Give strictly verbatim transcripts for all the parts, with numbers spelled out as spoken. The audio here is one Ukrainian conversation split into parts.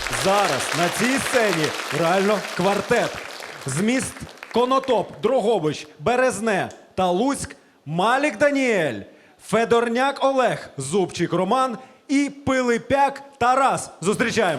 Зараз на цій сцені реально квартет. З міст Конотоп, Дрогобич, Березне та Луцьк Малік Даніель, Федорняк Олег, Зубчик Роман і Пилипяк Тарас. Зустрічаємо.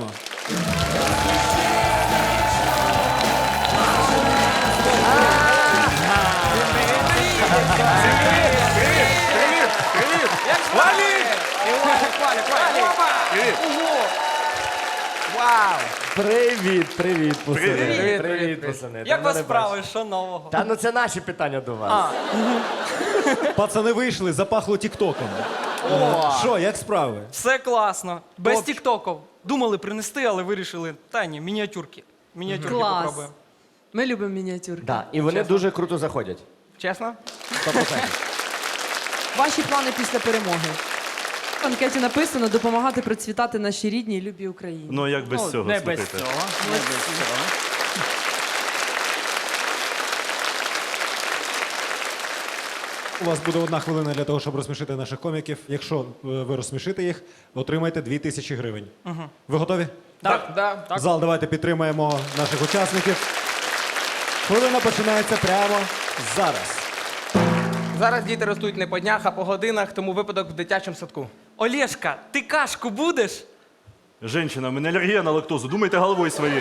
Вау! Привіт, привіт, пацани. Привіт, привіт, пацани. Як Давно вас не справи? Що нового? бачив. Та ну це наші питання до вас. Пацани вийшли, запахло тіктоком. Що, як справи? Все класно. Без Топчик. тіктоків. Думали принести, але вирішили. Та ні, мініатюрки. Мініатюрки Клас. попробуємо. Ми любимо мініатюрки. Да, і вони дуже круто заходять. Чесно? Ваші плани після перемоги. В анкеті написано допомагати процвітати нашій рідній і любій Україні. Ну, як без цього, Не без слухайте. цього. Не без цього. У вас буде одна хвилина для того, щоб розсмішити наших коміків. Якщо е, ви розсмішите їх, отримаєте дві тисячі гривень. Ви готові? Так, да. Зал, давайте підтримаємо наших учасників. Хвилина починається прямо зараз. Зараз діти ростуть не по днях, а по годинах, тому випадок в дитячому садку. Олєшка, ти кашку будеш? Женщина, в мене алергія на лактозу. Думайте головою своєю.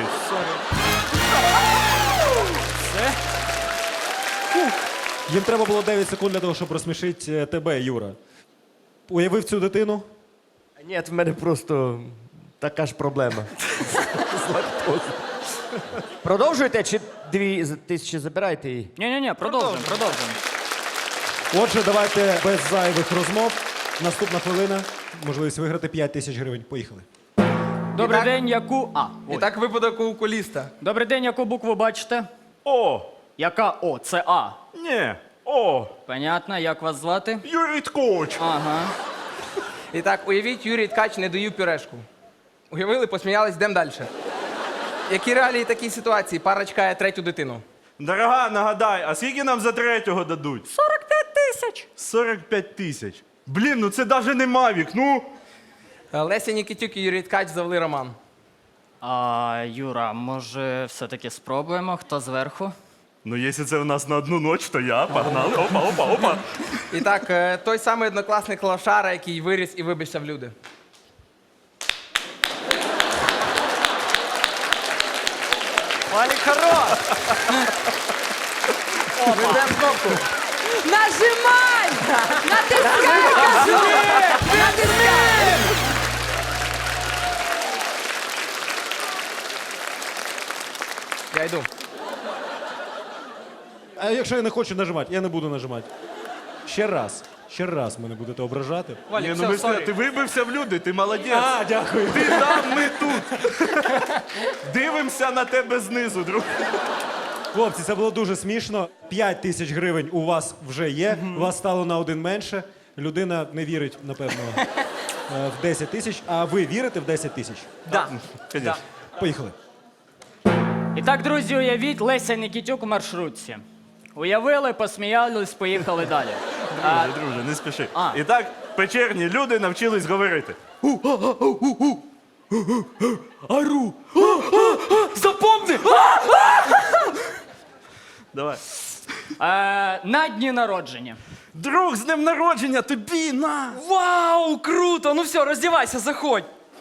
Їм треба було дев'ять секунд для того, щоб розсмішити е, тебе, Юра. Уявив цю дитину? Ні, в мене просто така ж проблема. З лактозою. Продовжуєте чи дві з- тисячі забираєте її? Ні-ні-ні, продовжуємо, продовжуємо. Отже, давайте без зайвих розмов. Наступна хвилина. Можливість виграти п'ять тисяч гривень. Поїхали. Добрий так- день, яку... А, І ой. так випадок у окуліста. Добрий день, яку букву бачите? О! Яка О? Це А. Ні! О! Понятно, як вас звати? Юрій Ткоч! Ага. І так, уявіть, Юрій Ткач не доїв пюрешку. Уявили, посміялись, йдемо далі. Які реалії такій ситуації? Пара чекає третю дитину. Дорога, нагадай, а скільки нам за третього дадуть? сорок п'ять тисяч. сорок п'ять тисяч. Блін, ну це навіть не Мавік, ну! Е, Леся Нікітюк і Юрій Ткач завели роман. А, Юра, може, все-таки спробуємо, хто зверху? Ну, якщо це у нас на одну ніч, то я. Погнали. Опа, опа, опа. І так, е, той самий однокласник Лошара, який виріс і вибився в люди. Валік, хорош! Ведемо кнопку. Нажимай! Натискай! кажу! Натискай! Я йду. А якщо я не хочу нажимати, я не буду нажимати. Ще раз. Ще раз мене будете ображати. Ні, Валік, ну ми все, ж- сорі. ти вибився в люди, ти молодець. А, дякую. Ти там, ми тут. Дивимося на тебе знизу, друг. Хлопці, це було дуже смішно. п'ять тисяч гривень у вас вже є. У вас стало на один менше. Людина не вірить, напевно, е, в десять тисяч. А ви вірите в десять тисяч? Да. Конечно. Поїхали. І так, друзі, уявіть, Леся Нікітюк у маршрутці. Уявили, посміялись, поїхали далі. А, Друже, друже, не спіши. А. І так, печерні люди навчились говорити. Ару! Запомни! Давай. е, на дні народження. Друг, з днем народження, тобі на! Вау, круто! Ну все, роздівайся, заходь.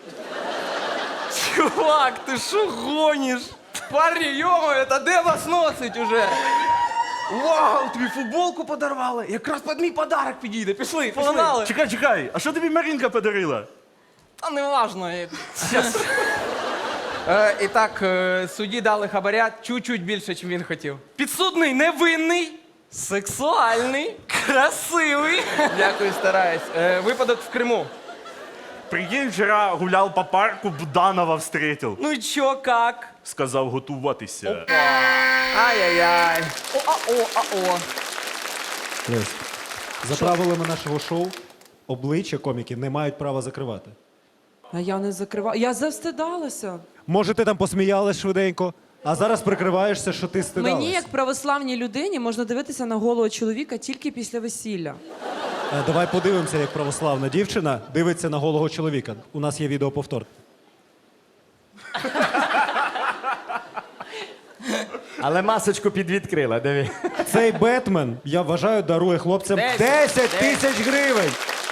Чувак, ти що гониш? Парні, йомо, та де вас носить уже? Вау, тобі футболку подарували. Якраз під мій подарок підійде. Пішли, пішли. Погнали! Чекай, чекай, а що тобі Марінка подарила? Та не важно. я- Щас. Е, і так, е, судді дали хабаря чуть-чуть більше, ніж він хотів. Підсудний невинний, сексуальний, красивий. Дякую, стараюсь. Е, випадок в Криму. Прикинь, вчора гуляв по парку, Буданова встретив. Ну і чо, как? Сказав готуватися. Ай-яй-яй. О-а-о, а-о. Лесь, за правилами нашого шоу обличчя коміків не мають права закривати. А я не закриваю. Я завстидалася. Може, ти там посміялась швиденько, а зараз прикриваєшся, що ти стидалась. Мені, як православній людині, можна дивитися на голого чоловіка тільки після весілля. Е, Давай подивимося, як православна дівчина дивиться на голого чоловіка. У нас є відеоповтор. Але масочку підвідкрила, диви. Цей Бетмен, я вважаю, дарує хлопцям Десять. десять тисяч гривень.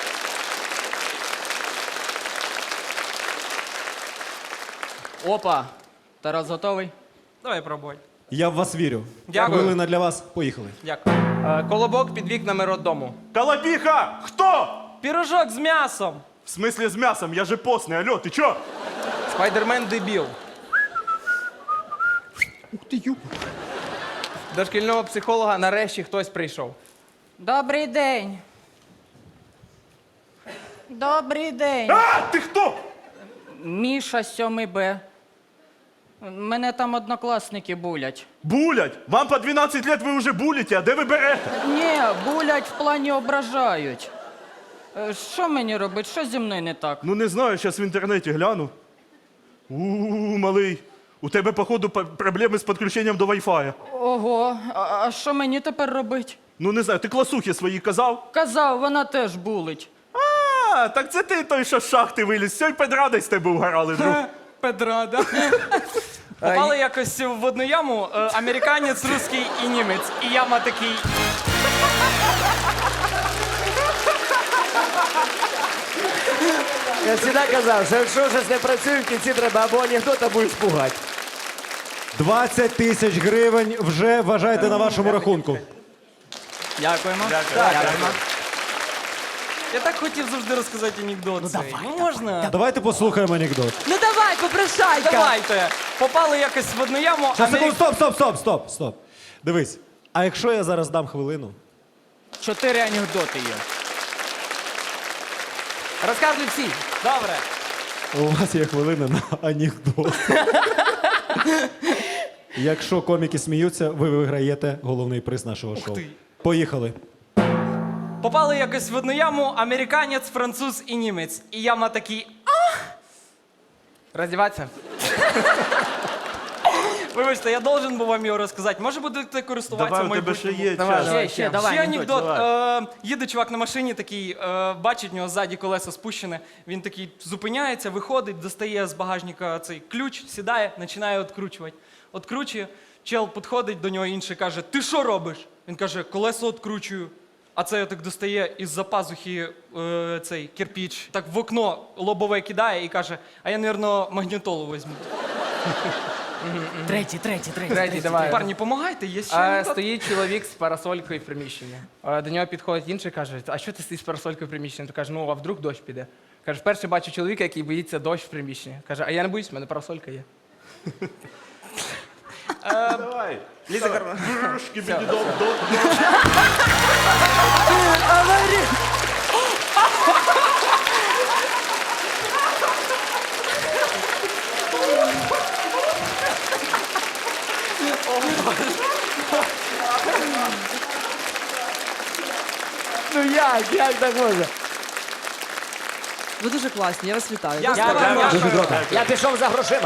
Опа. Тарас готовий? Давай пробуй. Я в вас вірю. Дякую. Хвилина для вас. Поїхали. Дякую. Е, Колобок під вікнами роддому. Колобіха! Хто? Пірожок з м'ясом. В смислі з м'ясом? Я же постний, алло, ти чо? Спайдермен дебіл. До шкільного психолога нарешті хтось прийшов. Добрий день. Добрий день. А, ти хто? Міша сьомий Б. Мене там однокласники булять. Булять! Вам по дванадцять лет ви вже булите, а де ви берете? Ні, булять в плані ображають. Е, Що мені робити? Що зі мною не так? Ну не знаю, зараз в інтернеті гляну. У, малий, у тебе, походу, п- проблеми з підключенням до Wi-Fi. Ого, а а що мені тепер робити? Ну не знаю, ти класухи свої казав? Казав, вона теж булить. А, так це ти той, що з шахти виліз. Сьогодні педради з тебе угорали, друг. Педра, да? Попали якось в одну яму е, американець, русський і німець. І яма такий. Я завжди казав, що якщо щось не працює, в кінці треба або анекдот, або іспугати. двадцять тисяч гривень вже вважайте на вашому рахунку. Дякуємо. Дякуємо. Я так хотів завжди розказати анекдот. Ну, ну можна? Давайте послухаємо анекдот. Ну давай, попрошайка. Давайте. Попали якось в одну яму. Щас, секунду, Америк... стоп, стоп, стоп, стоп, стоп. Дивись. А якщо я зараз дам хвилину? Чотири анекдоти є. Розказуй всі. Добре. У вас є хвилина на анекдот. Якщо коміки сміються, ви виграєте головний приз нашого шоу. ти. Поїхали. Попали якось в одну яму американець, француз і німець. І яма такий. Роздіватися. Вибачте, я должен був вам його розказати. Може будете користуватися Давай, в у тебе ще майбутньому? є Давай, час. давай. Ще, ще, давай. Ще анекдот. анекдот. Е, їде чувак на машині, такий, е, бачить, в нього ззаді колесо спущене. Він такий зупиняється, виходить, достає з багажника цей ключ, сідає, починає відкручувати. Откручує, чел підходить до нього інший, каже: ти що робиш? Він каже: колесо відкручую. А це так достає із-за пазухи е, цей кирпіч, так в окно лобове кидає і каже: а я, мабуть, магнітолу візьму. Третій, третій, третій. Третій, давай. Парні, помагайте, є ще А, анекдот. стоїть чоловік з парасолькою в приміщенні. А, До нього підходить інший і каже: а що ти стоїш з парасолькою в приміщенні? То каже: ну, а вдруг дощ піде? Каже: вперше бачу чоловіка, який боїться дощ в приміщенні. Каже: а я не боюсь, в мене парасолька є. Давай. Ліза Карна. Брюшки, бідідом, до. Ну як, як так можна? Ви дуже класні, я вас вітаю. Дякую, Дуже дякую. дякую. Дуже круто. Я пішов за грошима.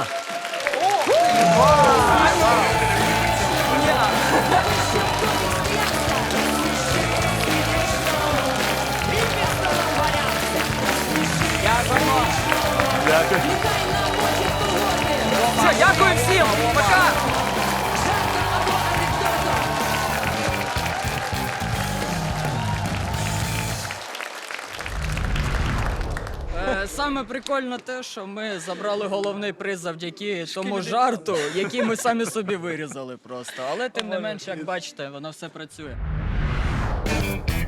Дякую. Все, дякую всім, пока! Е, Саме прикольно те, що ми забрали головний приз завдяки тому жарту, який ми самі собі вирізали просто. Але тим не менш, як бачите, воно все працює.